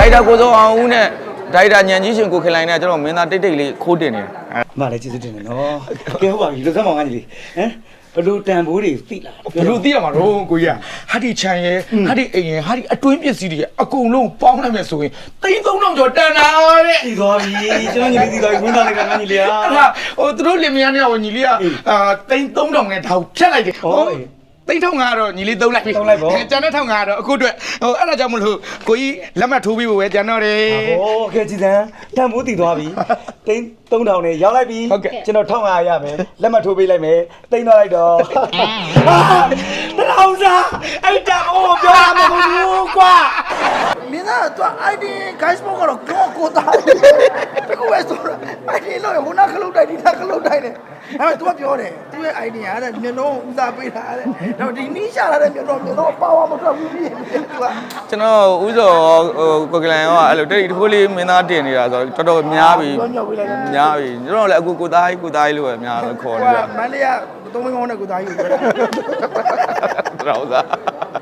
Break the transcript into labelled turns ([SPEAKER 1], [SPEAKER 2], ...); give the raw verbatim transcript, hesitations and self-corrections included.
[SPEAKER 1] ဒါရိုက်တာကိုစောအောင်ဦးနဲ့ဒါရိုက်တာညံကြီးရှင်ကိုခင်လိုင်နဲ့ကျွန်တော်မင်းသားတိတ်တိတ်လေးခိုးတင်နေတယ်
[SPEAKER 2] မလည်းကျေးဇူးတင်တယ်နော်ကဲဟုတ်ပါပြီလူစမ်းမောင်ကကြီးဟမ်ဘလူတန်ဘိုးတွေသိလား
[SPEAKER 3] ဘလူသိရမှာတော့ကိုကြီးဟာဒီချန်ရဲ့ဟာဒီအိမ်ရဲ့ဟာဒီအတွင်းပစ္စည်းတွေအကုန်လုံးပေါင်းလိုက်မယ်ဆိုရင်သိန်းသုံးထောင်ကျော်တန်တာတဲ့
[SPEAKER 2] သိသွားပြီကျွန်တော်ညီလေးသိသွားပြီဝန်သားလေးကငါညီလေးอ่ะ
[SPEAKER 3] ဟာဟိုသူတို့လင်မယားနဲ့ဟိုညီလေးကအာသိန်းသုံးထောင်နဲ့ဒါကိုဖြတ်လိုက်တယ်ဟိုသိန်းထောင်ကတော့ညီလေးသုံးလိုက်ပြီကျန်တဲ့ထောင်ကတော့အခုအတွက်ဟိုအဲ့ဒါကြောင့်မလို့ကိုကြီးလက်မှတ်ထိုးပြီးဖို့ပဲကျန်တော့တယ်
[SPEAKER 2] ဟိုကဲကြည်စံတန်ဘိုးသိသွားပြီသိန်းသုံးထောင်နဲ့ရောက်လိုက်ပြီကျွန်တော်တစ်ထောင်၅ရာရမယ်လက်မှတ်ထိုးပေးလိုက်မယ်သိန်းသွားလိုက်တော့တထောင်စားအဲ့တန်ဘိုးပြောရမှာမဟုတ်ဘူးကွာ
[SPEAKER 4] မင်းသားက ไอ ดี guys ဘောကတော့ကိုကိုသားတကူပဲဆိုတော့ ไอ ดี လို့ဟိုနာခလုတ်တိုက်ဒီနာခလုတ်တိုက်တယ်အဲ့မဲ့ तू ကပြောတယ်သူ့ရဲ့ idea ကတဲ့မျက်နှာဦးစားပေးတာတဲ့တော့ဒီနီးရှာလာတဲ့မျက်နှာမျက်နှာပါဝါမထွက်ဘူးပြီး तू က
[SPEAKER 1] ကျွန်တော်ဥစောဟိုကိုကလန်ရောအဲ့လိုတိတ်ထိုးလေးမင်းသားတင်နေတာဆိုတော့တော်တော်များပြီများပြီကျွန်တော်လည်းအခုကိုသားကြီးကိုသားကြီးလို့ပဲများခေါ်နေ
[SPEAKER 4] ဟို
[SPEAKER 1] တာ
[SPEAKER 4] မန္တလေးကသုံးမင်းကောင်းတဲ့ကိုသားကြီးကိုပြောတာ
[SPEAKER 1] တော်သား